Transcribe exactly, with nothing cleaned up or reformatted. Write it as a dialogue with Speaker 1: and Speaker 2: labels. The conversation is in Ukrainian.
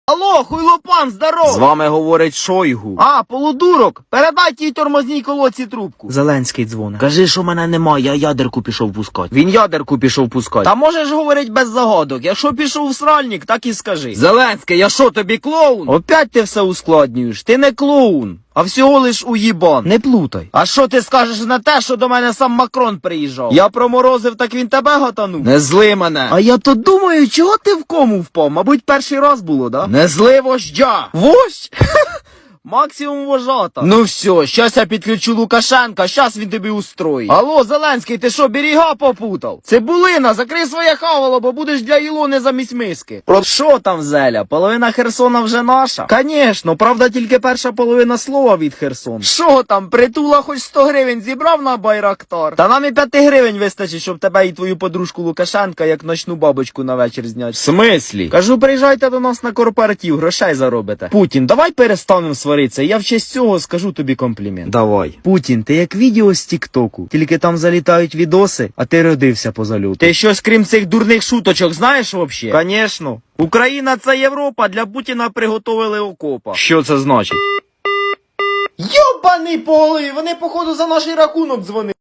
Speaker 1: Алло, хуйлопан, здоров! З вами говорить Шойгу. А, полудурок, передай тій тормозній колодці трубку. Зеленський дзвоне. Кажи, що мене немає, я ядерку пішов пускати. Він ядерку пішов пускати. Та можеш говорить без загадок. Якщо пішов в сральник, так і скажи. Зеленський, я що, тобі клоун? Опять ти все ускладнюєш. Ти не клоун. А всього лиш уїбан. Не плутай. А що ти скажеш на те, що до мене сам Макрон приїжджав? Я проморозив, так він тебе гатанув? Не зли мене. А я то думаю, чого ти в кому впав? Мабуть, перший раз було, да? Не зли вождя. Вождь? Максимум вожата. Ну все, щас я підключу Лукашенка, щас він тобі устроїть. Алло, Зеленський, ти що, берега попутав? Цибулина, закрий своє хавало, бо будеш для Ілони замість миски. Про що там, Зеля? Половина Херсона вже наша? Конечно, правда, тільки перша половина слова від Херсона. Що там, притула хоч сто гривень зібрав на Байрактар? Та нам і п'ять гривень вистачить, щоб тебе і твою подружку Лукашенка як ночну бабочку на вечір зняти. В смислі? Кажу, приїжджайте до нас на корпоратив, грошей заробите. Путін, давай перестанемо сваритися. Я в честь цього скажу тобі комплімент. Давай. Путін, ти як відео з Тік-Току. Тільки там залітають відоси, а ти родився по зальоту. Ти щось крім цих дурних шуточок знаєш вообще? Конечно. Україна це Європа, для Путіна приготовили окопа. Що це значить? Йобаний по голові, вони походу за наш рахунок дзвонили.